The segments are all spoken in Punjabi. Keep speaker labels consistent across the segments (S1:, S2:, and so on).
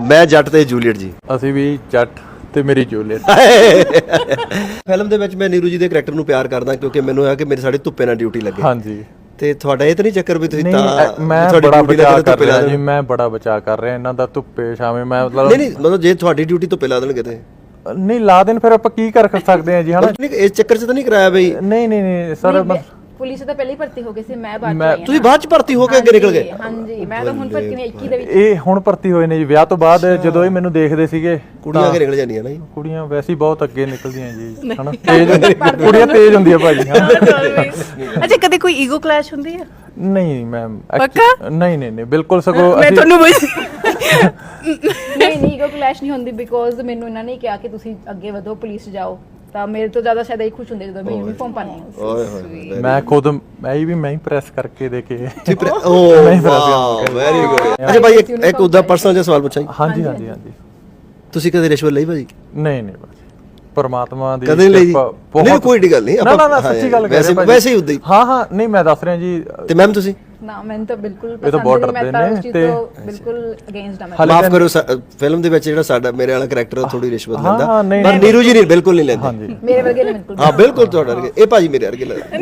S1: ਮੈਂ ਜੱਟ ਤੇ ਜੂਲੀਅਟ ਜੀ।
S2: ਅਸੀਂ ਵੀ ਜੱਟ ਤੇ ਮੇਰੀ ਜੂਲੀਅਟ।
S1: ਫਿਲਮ ਦੇ ਵਿੱਚ ਮੈਂ ਨੀਰੂ ਜੀ ਦੇ ਕਰੈਕਟਰ ਨੂੰ ਪਿਆਰ ਕਰਦਾ ਕਿਉਂਕਿ ਮੈਨੂੰ ਹੈ ਕਿ ਮੇਰੇ ਸਾਡੇ ਧੁੱਪੇ ਨਾਲ ਡਿਊਟੀ ਲੱਗੇ।
S2: ਹਾਂਜੀ
S1: ਤੇ ਤੁਹਾਡਾ ਇਹ ਤਾਂ ਨਹੀਂ ਚੱਕਰ ਵੀ ਤੁਸੀਂ ਤਾਂ
S2: ਮੈਂ ਬੜਾ ਬਚਾਅ ਕਰ ਰਿਹਾ ਜੀ, ਮੈਂ ਬੜਾ ਬਚਾਅ ਕਰ ਰਿਹਾ ਇਹਨਾਂ ਦਾ ਧੁੱਪੇ ਛਾਵੇਂ। ਮੈਂ
S1: ਮਤਲਬ ਜੇ ਤੁਹਾਡੀ ਡਿਊਟੀ ਧੁੱਪੇ ਲਾ ਦੇਣਗੇ ਤੇ
S2: ਨਹੀਂ ਲਾ ਦੇਣ ਫਿਰ ਆਪਾਂ ਕੀ ਕਰ ਸਕਦੇ ਹਾਂ ਜੀ ਹਨਾ।
S1: ਇਸ ਚੱਕਰ 'ਚ ਤਾਂ ਨਹੀਂ ਕਰਾਇਆ ਬਈ?
S2: ਨਹੀਂ ਸਰ
S3: ਪੁਲਿਸ ਤਾਂ ਪਹਿਲਾਂ ਹੀ ਭਰਤੀ ਹੋ ਗਏ ਸੀ, ਮੈਂ ਬਾਅਦ ਚ
S1: ਤੁਸੀਂ ਬਾਅਦ ਚ ਭਰਤੀ ਹੋ ਕੇ ਅੱਗੇ ਨਿਕਲ ਗਏ?
S3: ਹਾਂਜੀ ਮੈਂ ਤਾਂ ਹੁਣ ਭਰਤੀ ਨਹੀਂ 21 ਦੇ ਵਿੱਚ।
S2: ਇਹ ਹੁਣ ਭਰਤੀ ਹੋਏ ਨੇ ਜੀ ਵਿਆਹ ਤੋਂ ਬਾਅਦ। ਜਦੋਂ ਇਹ ਮੈਨੂੰ ਦੇਖਦੇ ਸੀਗੇ
S1: ਕੁੜੀਆਂ ਅੱਗੇ ਨਿਕਲ ਜਾਂਦੀਆਂ ਨਾ ਜੀ।
S2: ਕੁੜੀਆਂ ਵੈਸੇ ਹੀ ਬਹੁਤ ਅੱਗੇ ਨਿਕਲਦੀਆਂ ਜੀ ਹਨਾ, ਤੇਜ਼ ਕੁੜੀਆਂ ਤੇਜ਼ ਹੁੰਦੀਆਂ ਭਾਜੀ।
S4: ਅੱਛਾ ਕਦੇ ਕੋਈ ਈਗੋ ਕਲੈਸ਼ ਹੁੰਦੀ ਹੈ?
S2: ਨਹੀਂ ਮੈਮ
S4: ਪੱਕਾ?
S2: ਨਹੀਂ ਬਿਲਕੁਲ ਸਗੋਂ
S4: ਮੈਂ ਤੁਹਾਨੂੰ
S3: ਨਹੀਂ ਈਗੋ ਕਲੈਸ਼ ਨਹੀਂ ਹੁੰਦੀ ਬਿਕੋਜ਼ ਮੈਨੂੰ ਇਹਨਾਂ ਨੇ ਕਿਹਾ ਕਿ ਤੁਸੀਂ ਅੱਗੇ ਵਧੋ ਪੁਲਿਸ ਜਾਓ, ਤਾਂ ਮੇਰੇ ਤੋਂ ਜ਼ਿਆਦਾ ਸ਼ਾਇਦ ਇਹ ਖੁਸ਼ ਹੁੰਦੇ ਜਦੋਂ ਮੈਂ ਯੂਨੀਫਾਰਮ ਪਾਣੀ ਹੈ।
S1: ਓਏ ਹੋਏ
S2: ਮੈਂ ਖੁਦ ਮੈਂ ਹੀ ਪ੍ਰੈਸ ਕਰਕੇ ਦੇ ਕੇ
S1: ਓ ਵਾਹ ਵੈਰੀ ਗੁੱਡ। ਅੱਛਾ ਭਾਈ ਇੱਕ ਉਹਦਾ ਪਰਸਨਲ ਜਿਹਾ ਸਵਾਲ ਪੁੱਛਾਂ ਜੀ।
S2: ਹਾਂਜੀ
S1: ਤੁਸੀਂ ਕਦੇ ਰਿਸ਼ਵਤ ਲਈ ਭਾਜੀ?
S2: ਨਹੀਂ ਭਾਜੀ, ਪਰਮਾਤਮਾ ਦੀ
S1: ਕਦੇ ਲਈ? ਨਹੀਂ ਕੋਈ ਗੱਲ ਨਹੀਂ,
S2: ਨਾ ਸੱਚੀ ਗੱਲ ਕਰ ਰਹੇ
S1: ਵੈਸੇ ਹੀ ਉਦਾਂ ਹੀ।
S2: ਹਾਂ ਨਹੀਂ ਮੈਂ ਦੱਸ ਰਿਹਾ ਜੀ।
S1: ਤੇ ਮੈਮ ਤੁਸੀਂ?
S3: ਨਾ ਮੈਨੂੰ ਤਾਂ ਬਿਲਕੁਲ
S2: ਇਹ ਤਾਂ ਬਹੁਤ ਡਰਦੇ ਨੇ ਤੇ
S3: ਬਿਲਕੁਲ ਅਗੇਂਸਟ ਆ।
S1: ਮਾਫ ਕਰੋ, ਫਿਲਮ ਦੇ ਵਿੱਚ ਜਿਹੜਾ ਸਾਡਾ ਮੇਰੇ ਵਾਲਾ ਕਰੈਕਟਰ ਥੋੜੀ ਰਿਸ਼ਵਤ ਲੈਂਦਾ,
S2: ਨਹੀਂ
S1: ਪਰ ਨੀਰੂ ਜੀ ਨਹੀਂ ਬਿਲਕੁਲ ਨਹੀਂ ਲੈਂਦੇ।
S3: ਮੇਰੇ ਵਰਗੇ ਨੇ ਬਿਲਕੁਲ।
S1: ਹਾਂ ਬਿਲਕੁਲ ਤੁਹਾਡੇ ਵਰਗੇ। ਇਹ ਭਾਜੀ ਮੇਰੇ ਵਰਗੇ ਲੱਗਦੇ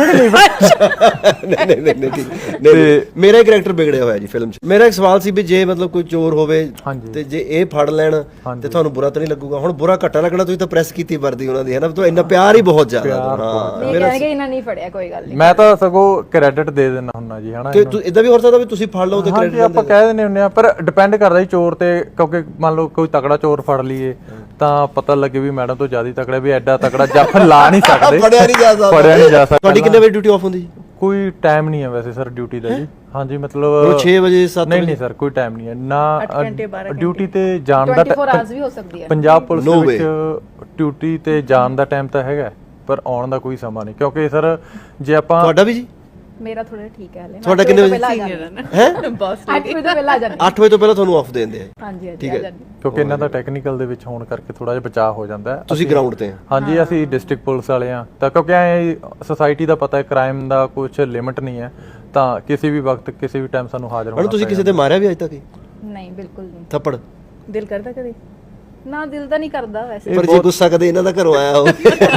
S1: ਨਹੀਂ। ਮੇਰਾ ਹੀ ਕਰੈਕਟਰ ਵਿਗੜਿਆ ਹੋਇਆ ਜੀ ਫਿਲਮ 'ਚ। ਮੇਰਾ ਇੱਕ ਸਵਾਲ ਸੀ ਵੀ ਜੇ ਮਤਲਬ ਕੋਈ ਚੋਰ ਹੋਵੇ ਤੇ ਜੇ ਇਹ ਫੜ ਲੈਣ ਤੇ ਤੁਹਾਨੂੰ ਬੁਰਾ ਤਾਂ ਨਹੀਂ ਲੱਗੂਗਾ? ਹੁਣ ਬੁਰਾ ਘੱਟਾ ਲੱਗਣਾ, ਤੁਸੀਂ ਤਾਂ ਪ੍ਰੈਸ ਕੀਤੀ ਵਰਦੀ ਉਹਨਾਂ ਦੀ ਹੈ ਨਾ, ਤਾਂ ਇੰਨਾ ਪਿਆਰ ਹੀ ਬਹੁਤ ਜ਼ਿਆਦਾ।
S3: ਹਾਂ ਮੇਰਾ ਇਹਨਾਂ ਨਹੀਂ ਫੜਿਆ ਕੋਈ ਗੱਲ ਨਹੀਂ।
S2: ਮੈਂ ਤਾਂ ਸਗੋਂ ਕ੍ਰੈਡਿਟ ਦੇ ਦਿੰਦਾ ਹੁੰਨਾ ਜੀ ਹਨਾ।
S1: ਕਿ ਇਦਾਂ ਵੀ ਹੋ ਸਕਦਾ ਵੀ ਤੁਸੀਂ ਫੜ ਲਓ ਤੇ ਕ੍ਰੈਡਿਟ
S2: ਆਪਾਂ ਕਹਿ ਦਿੰਦੇ ਹੁੰਦੇ ਆ, ਪਰ ਡਿਪੈਂਡ ਕਰਦਾ ਜੀ ਚੋਰ ਤੇ। ਕਿਉਂਕਿ ਮੰਨ ਲਓ ਕੋਈ ਤਕੜਾ ਚੋਰ ਫੜ ਲਈਏ ਤਾਂ ਪਤਾ ਲੱਗੇ ਵੀ ਮੈਡਮ ਤੋਂ ਜ਼ਿਆਦਾ ਤਕੜਾ, ਵੀ ਐਡਾ ਤਕੜਾ ਜੱਫ ਲਾ ਨਹੀਂ ਸਕਦੇ,
S1: ਫੜਿਆ ਨਹੀਂ ਜਾ ਸਕਦਾ। ਤੁਹਾਡੀ ਕਿੰਨੇ ਵਜੇ ਡਿਊਟੀ ਆਫ ਹੁੰਦੀ ਜੀ?
S2: ਕੋਈ ਟਾਈਮ ਨਹੀਂ ਹੈ ਵੈਸੇ ਸਰ ਡਿਊਟੀ ਦਾ ਜੀ। ਹਾਂਜੀ ਮਤਲਬ
S1: 6 ਵਜੇ 7
S2: ਨਹੀਂ ਸਰ ਕੋਈ ਟਾਈਮ ਨਹੀਂ ਹੈ ਨਾ ਡਿਊਟੀ ਤੇ ਜਾਣ ਦਾ।
S3: 24 ਆਵਰਸ ਵੀ ਹੋ ਸਕਦੀ ਹੈ
S2: ਪੰਜਾਬ ਪੁਲਿਸ ਦੇ ਵਿੱਚ ਡਿਊਟੀ ਤੇ ਜਾਣ ਦਾ ਟਾਈਮ ਤਾਂ ਹੈਗਾ, ਪਰ ਆਉਣ ਦਾ ਕੋਈ ਸਮਾਂ ਨਹੀਂ। ਕਿਉਂਕਿ ਸਰ ਜੇ ਆਪਾਂ
S1: ਤੁਹਾਡਾ ਵੀ ਜੀ?
S3: ਮੇਰਾ ਥੋੜਾ ਠੀਕ ਹੈ ਹਲੇ।
S1: ਤੁਹਾਡਾ ਕਿੰਨੇ ਵਜੇ?
S4: ਹੈ ਬਸ
S3: 8 ਵਜੇ ਤੋਂ ਪਹਿਲਾਂ ਆ ਜਾਂਦੇ।
S1: 8 ਵਜੇ ਤੋਂ ਪਹਿਲਾਂ ਤੁਹਾਨੂੰ ਆਫ ਦੇ ਦਿੰਦੇ ਆ?
S3: ਹਾਂਜੀ
S1: ਠੀਕ ਹੈ।
S2: ਕਿਉਂਕਿ ਇਹਨਾਂ ਦਾ ਟੈਕਨੀਕਲ ਦੇ ਵਿੱਚ ਹੋਣ ਕਰਕੇ ਥੋੜਾ ਜਿਹਾ ਬਚਾਅ ਹੋ ਜਾਂਦਾ ਹੈ।
S1: ਤੁਸੀਂ ਗਰਾਊਂਡ ਤੇ?
S2: ਹਾਂਜੀ ਅਸੀਂ ਡਿਸਟ੍ਰਿਕਟ ਪੁਲਿਸ ਵਾਲੇ ਆ, ਤਾਂ ਕਿਉਂਕਿ ਐ ਸੋਸਾਇਟੀ ਦਾ ਪਤਾ ਹੈ ਕ੍ਰਾਈਮ ਦਾ ਕੁਝ ਲਿਮਿਟ ਨਹੀਂ ਹੈ, ਤਾਂ ਕਿਸੇ ਵੀ ਵਕਤ ਕਿਸੇ ਵੀ ਟਾਈਮ ਸਾਨੂੰ ਹਾਜ਼ਰ ਹੋਣਾ।
S1: ਤੁਸੀਂ ਕਿਸੇ ਤੇ ਮਾਰਿਆ ਵੀ ਅੱਜ ਤੱਕ?
S3: ਨਹੀਂ ਬਿਲਕੁਲ ਨਹੀਂ।
S1: ਥੱਪੜ?
S4: ਦਿਲ ਕਰਦਾ ਕਦੇ?
S3: ਨਾ ਦਿਲ ਤਾਂ ਨਹੀਂ ਕਰਦਾ ਵੈਸੇ।
S1: ਪਰ ਜੇ ਗੁੱਸਾ ਕਦੇ ਇਹਨਾਂ ਦਾ ਘਰੋਂ ਆਇਆ ਹੋ?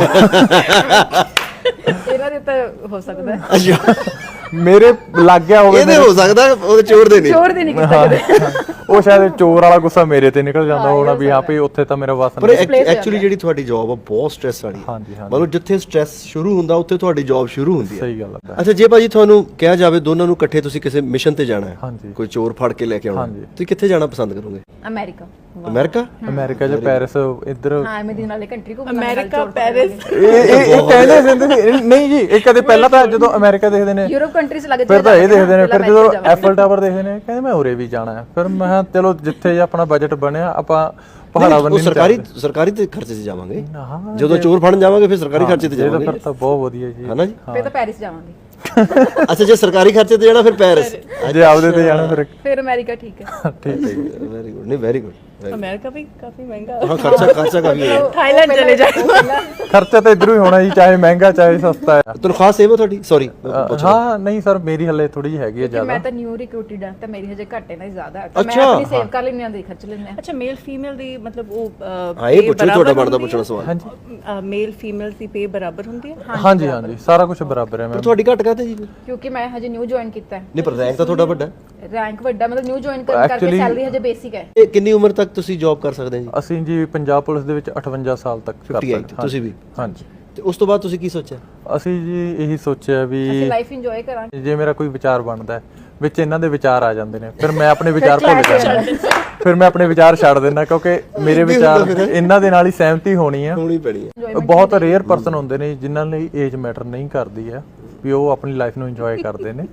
S3: ਇਹਨਾਂ ਦੇ ਤਾਂ ਹੋ ਸਕਦਾ ਹੈ।
S1: ਅੱਛਾ
S2: ਮੇਰੇ ਲੱਗ ਗਿਆ ਹੋਵੇ।
S1: ਇਹਦੇ ਹੋ ਸਕਦਾ, ਉਹਦੇ ਚੋਰ ਦੇ ਨਹੀਂ।
S3: ਚੋਰ ਦੇ ਨਹੀਂ ਕੀਤਾ ਕਦੇ।
S2: ਉਹ ਸ਼ਾਇਦ ਚੋਰ ਵਾਲਾ ਗੁੱਸਾ ਮੇਰੇ ਤੇ ਨਿਕਲ ਜਾਂਦਾ ਹੋਣਾ ਵੀ ਹਾਂ ਵੀ ਉੱਥੇ ਤਾਂ ਮੇਰਾ ਵਸ
S1: ਪਰ ਐਕਚੁਅਲੀ ਜਿਹੜੀ ਤੁਹਾਡੀ ਜੌਬ ਆ ਬਹੁਤ ਸਟ੍ਰੈਸ ਵਾਲੀ ਹੈ। ਮਤਲਬ ਜਿੱਥੇ ਸਟ੍ਰੈਸ ਸ਼ੁਰੂ ਹੁੰਦਾ ਉੱਥੇ ਤੁਹਾਡੀ ਜੌਬ ਸ਼ੁਰੂ ਹੁੰਦੀ ਹੈ।
S2: ਸਹੀ ਗੱਲ ਹੈ।
S1: ਅੱਛਾ ਜੇ ਭਾਜੀ ਤੁਹਾਨੂੰ ਕਿਹਾ ਜਾਵੇ ਦੋਨਾਂ ਨੂੰ ਇਕੱਠੇ ਤੁਸੀਂ ਕਿਸੇ ਮਿਸ਼ਨ ਤੇ ਜਾਣਾ ਹੈ, ਕੋਈ ਚੋਰ ਫੜ ਕੇ ਲੈ ਕੇ ਆਉਣਾ, ਤੁਸੀਂ ਕਿੱਥੇ ਜਾਣਾ ਪਸੰਦ ਕਰੋਗੇ?
S3: ਅਮਰੀਕਾ।
S2: ਅਮਰੀਕਾ ਜਾਂ ਪੈਰਿਸ ਇੱਧਰ?
S3: ਹਾਂ ਮੈਂ ਦਿਨ ਵਾਲੇ ਕੰਟਰੀ ਘੁੰਮਣਾ।
S4: ਅਮਰੀਕਾ ਪੈਰਿਸ
S2: ਇਹ ਕਹਿੰਦੇ ਸੀ ਨਹੀਂ ਜੀ। ਇਹ ਕਦੇ ਪਹਿਲਾਂ ਤਾਂ ਜਦੋਂ ਅਮਰੀਕਾ ਦੇਖਦੇ ਨੇ
S3: ਯੂਰਪ ਕੰਟਰੀਜ਼ ਲੱਗ
S2: ਫਿਰ ਤਾਂ ਇਹ ਦੇਖਦੇ ਨੇ, ਫਿਰ ਜਦੋਂ ਐਫਲ ਟਾਵਰ ਦੇਖਦੇ ਨੇ ਕਹਿੰਦੇ ਮੈਂ ਉਰੇ ਵੀ ਜਾਣਾ ਹੈ। ਫਿਰ ਮੈਂ ਚਲੋ ਜਿੱਥੇ ਆਪਣਾ ਬਜਟ ਬਣਿਆ ਆਪਾਂ ਪਹਾੜਾ ਬੰਨੀ
S1: ਸਰਕਾਰੀ ਤੇ ਖਰਚੇ 'ਚ ਜਾਵਾਂਗੇ। ਜਦੋਂ ਚੋਰ ਫੜਨ ਜਾਵਾਂਗੇ ਫਿਰ ਸਰਕਾਰੀ ਖਰਚੇ ਤੇ ਜਾਵਾਂਗੇ।
S2: ਫਿਰ ਤਾਂ ਬਹੁਤ ਵਧੀਆ ਜੀ,
S1: ਹਨਾ ਜੀ?
S3: ਫਿਰ ਤਾਂ ਪੈਰਿਸ ਜਾਵਾਂਗੇ।
S1: ਅੱਛਾ ਜੇ ਸਰਕਾਰੀ ਖਰਚੇ ਤੇ ਜਾਣਾ ਫਿਰ ਪੈਰਿਸ,
S2: ਜੇ ਆਪਦੇ ਤੇ ਜਾਣਾ
S3: ਫਿਰ ਅਮਰੀਕਾ। ਠੀਕ ਹੈ
S2: ਠੀਕ ਹੈ।
S1: Very good. ਨਹੀਂ ਵੈਰੀ ਗੁੱਡ।
S4: ਅਮਰੀਕਾ ਵੀ ਕਾਫੀ ਮਹਿੰਗਾ।
S1: ਹਾਂ ਖਰਚਾ ਕਾਫੀ ਹੈ।
S4: ਥਾਈਲੈਂਡ ਚਲੇ ਜਾਓ।
S2: ਖਰਚਾ ਤਾਂ ਇਧਰੋਂ ਹੀ ਹੋਣਾ ਜੀ, ਚਾਹੇ ਮਹਿੰਗਾ ਚਾਹੇ ਸਸਤਾ ਹੈ।
S1: ਤਨਖਾਹ ਸੇਵ ਹੈ ਤੁਹਾਡੀ? ਸੌਰੀ
S2: ਹਾਂ ਨਹੀਂ ਸਰ ਮੇਰੀ ਹਲੇ ਥੋੜੀ ਜਿਹੀ ਹੈਗੀ ਹੈ ਜ਼ਿਆਦਾ।
S3: ਮੈਂ ਤਾਂ ਨਿਊ ਰਿਕਰੂਟਡ ਹਾਂ ਤਾਂ ਮੇਰੀ ਹਜੇ ਘੱਟ ਹੈ ਨਾ ਜ਼ਿਆਦਾ ਹੈ, ਤਾਂ ਮੈਂ ਆਪਣੀ ਸੇਵ ਕਰ ਲੈਂਦੀ ਹਾਂ ਤੇ ਖਰਚ ਲੈਂਦੇ ਹਾਂ।
S4: ਅੱਛਾ ਮੇਲ ਫੀਮੇਲ ਦੀ ਮਤਲਬ ਉਹ
S1: ਹਾਂ ਇਹ ਪੁੱਛੋ ਤੁਹਾਡਾ ਬਣਦਾ ਪੁੱਛਣਾ ਸਵਾਲ।
S4: ਹਾਂਜੀ ਮੇਲ ਫੀਮੇਲ ਦੀ ਪੇ ਬਰਾਬਰ ਹੁੰਦੀ ਹੈ?
S2: ਹਾਂਜੀ ਸਾਰਾ ਕੁਝ ਬਰਾਬਰ ਹੈ। ਮੈਂ
S1: ਤੁਹਾਡੀ ਘੱਟ ਕਾਹਤੇ ਜੀ?
S3: ਕਿਉਂਕਿ ਮੈਂ ਹਜੇ ਨਿਊ ਜੁਆਇਨ ਕੀਤਾ ਹੈ।
S1: ਨਹੀਂ ਪਰ ਰੈਂਕ ਤਾਂ ਤੁਹਾਡਾ ਵੱਡਾ।
S3: ਰੈਂਕ ਵੱਡਾ ਮਤਲਬ ਨਿਊ ਜੁਆਇਨ ਕਰਕੇ ਸੈਲਰੀ ਹਜੇ ਬੇਸਿਕ ਹੈ।
S1: ਇਹ ਕਿੰਨੀ ਉਮਰ ਤੱਕ ਤੁਸੀਂ ਜੌਬ ਕਰ ਸਕਦੇ ਜੀ?
S2: ਅਸੀਂ ਜੀ ਪੰਜਾਬ ਪੁਲਿਸ ਦੇ ਵਿੱਚ 58 ਸਾਲ ਤੱਕ ਕਰ ਸਕਦੇ ਹਾਂ।
S1: ਤੁਸੀਂ ਵੀ?
S2: ਹਾਂਜੀ।
S1: ਤੇ ਉਸ ਤੋਂ ਬਾਅਦ ਤੁਸੀਂ ਕੀ ਸੋਚਿਆ?
S2: ਅਸੀਂ ਜੀ ਇਹੀ ਸੋਚਿਆ ਵੀ
S3: ਅਸੀਂ ਲਾਈਫ ਇੰਜੋਏ ਕਰਾਂਗੇ।
S2: ਜੇ ਮੇਰਾ ਕੋਈ ਵਿਚਾਰ ਬਣਦਾ ਵਿੱਚ ਇਹਨਾਂ ਦੇ ਵਿਚਾਰ ਆ ਜਾਂਦੇ ਨੇ, ਫਿਰ ਮੈਂ ਆਪਣੇ ਵਿਚਾਰ ਭੁੱਲ ਜਾਂਦਾ, ਫਿਰ ਮੈਂ ਆਪਣੇ ਵਿਚਾਰ ਛੱਡ ਦਿੰਦਾ ਕਿਉਂਕਿ ਮੇਰੇ ਵਿਚਾਰ ਇਹਨਾਂ ਦੇ ਨਾਲ ਹੀ ਸਹਿਮਤੀ ਹੋਣੀ
S1: ਪੈਣੀ ਹੈ।
S2: ਬਹੁਤ ਰੇਅਰ ਪਰਸਨ ਹੁੰਦੇ ਨੇ ਜਿਨ੍ਹਾਂ ਲਈ ਏਜ ਮੈਟਰ ਨਹੀਂ ਕਰਦੀ ਹੈ, ਵੀ ਉਹ ਆਪਣੀ ਲਾਈਫ ਨੂੰ ਇੰਜੋਏ ਕਰਦੇ ਨੇ।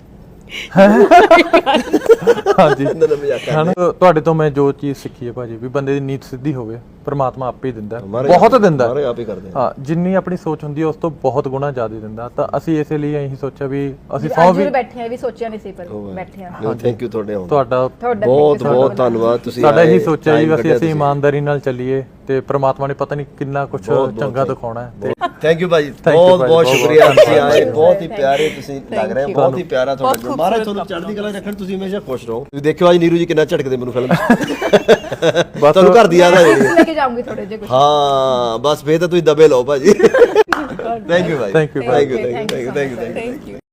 S2: ਹਾਂਜੀ ਤੁਹਾਡੇ ਤੋਂ ਮੈਂ ਜੋ ਚੀਜ਼ ਸਿੱਖੀ ਹੈ ਭਾਜੀ, ਵੀ ਬੰਦੇ ਦੀ ਨੀਤ ਸਿੱਧੀ ਹੋਵੇ ਪਰਮਾਤਮਾ ਆਪੇ ਹੀ ਦਿੰਦਾ, ਬਹੁਤ ਦਿੰਦਾ। ਹਾਂ ਜਿੰਨੀ ਆਪਣੀ ਸੋਚ ਹੁੰਦੀ ਹੈ ਉਸ ਤੋਂ ਬਹੁਤ ਗੁਣਾ ਜ਼ਿਆਦਾ ਦਿੰਦਾ। ਤਾਂ ਅਸੀਂ ਇਸੇ ਲਈ ਇਹੀ ਸੋਚਿਆ ਵੀ ਅਸੀਂ ਸੌ ਵੀ
S3: ਬੈਠੇ ਆ, ਵੀ ਸੋਚਿਆ ਨਹੀਂ ਸੀ ਪਰ ਬੈਠੇ ਆ।
S1: ਥੈਂਕ ਯੂ ਤੁਹਾਡੇ
S2: ਤੁਹਾਡਾ
S1: ਬਹੁਤ ਬਹੁਤ ਧੰਨਵਾਦ। ਤੁਸੀਂ
S2: ਸਾਡਾ ਇਹੀ ਸੋਚਿਆ ਜੀ ਅਸੀਂ ਇਮਾਨਦਾਰੀ ਨਾਲ ਚੱਲੀਏ ਤੇ ਪ੍ਰਮਾਤਮਾ ਨੇ ਪਤਾ ਨਹੀਂ ਕਿੰਨਾ ਕੁਝ ਚੰਗਾ ਦਿਖਾਉਣਾ ਹੈ ਤੇ
S1: ਥੈਂਕ ਯੂ ਭਾਜੀ,
S2: Thank you
S1: ਬਹੁਤ
S2: ਭਾਜੀ,
S1: ਬਹੁਤ
S2: ਬਹੁਤ
S1: ਸ਼ੁਕਰੀਆ,
S2: ਬਹੁਤ
S1: ਤੁਸੀਂ ਆਏ, ਬਹੁਤ ਹੀ ਪਿਆਰੇ ਤੁਸੀਂ ਲੱਗ ਰਹੇ ਹੋ, ਬਹੁਤ ਹੀ ਪਿਆਰਾ ਤੁਹਾਡਾ
S4: ਬਹੁਤ
S1: ਮਹਾਰਾਜ ਤੁਹਾਨੂੰ ਚੜ੍ਹਦੀ ਕਲਾ ਰੱਖਣ, ਤੁਸੀਂ ਹਮੇਸ਼ਾ ਖੁਸ਼ ਰਹੋ। ਤੁਸੀਂ ਦੇਖਿਓ ਅੱਜ ਨੀਰੂ ਜੀ ਕਿੰਨਾ ਝਟਕਦੇ ਮੈਨੂੰ ਫਿਲਮ 'ਚ ਤੁਹਾਨੂੰ ਘਰ ਦੀ ਯਾਦ ਆ ਜਾਣੀ
S3: ਲੈ ਕੇ ਜਾਊਂਗੀ ਥੋੜੇ ਜਿਹਾ ਕੁਝ।
S1: ਹਾਂ ਬਸ ਫੇਰ ਤਾਂ ਤੁਸੀਂ ਦਬੇ ਲਓ ਭਾਜੀ। ਥੈਂਕ ਯੂ ਭਾਜੀ,
S2: Thank you,
S1: thank you, thank you, thank you, thank you.